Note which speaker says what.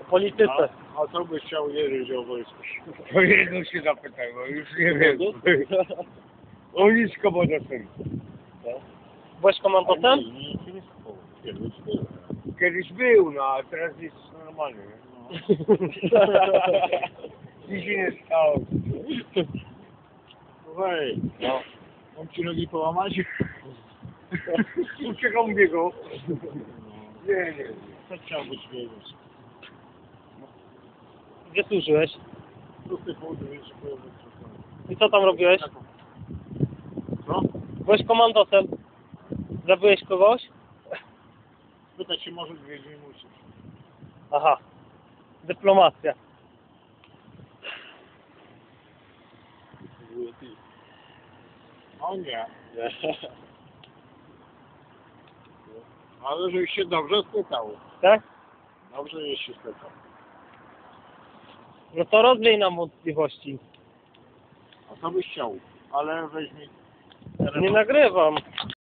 Speaker 1: polityce.
Speaker 2: A co byś chciał wiedzieć o wojsku?
Speaker 3: To jedno się zapytaj, bo już nie wiem. O nisko bo dostęp.
Speaker 1: Byłeś komandotem?
Speaker 2: Nie schował. Kiedyś było.
Speaker 3: Kiedyś był, no a teraz jest normalny. Nic się nie stało.
Speaker 2: Słuchaj,
Speaker 3: No.
Speaker 2: mam ci nogi połamać?
Speaker 3: Uciekam biegu. Nie.
Speaker 2: Co chciałbyś wiedzieć?
Speaker 1: Gdzie służyłeś?
Speaker 2: Pusty południe, jeszcze południe.
Speaker 1: I co tam robiłeś?
Speaker 2: Co?
Speaker 1: Byłeś komandosem? Zabiłeś kogoś?
Speaker 2: Pytać się może, wiedzieć nie musisz.
Speaker 1: Aha. Dyplomacja.
Speaker 2: O nie. Ale żeś się dobrze spytał.
Speaker 1: Tak?
Speaker 2: Dobrze, żeś się spytał.
Speaker 1: No to rozwiej nam wątpliwości.
Speaker 2: A co byś chciał? Ale weź mi...
Speaker 1: Nie nagrywam.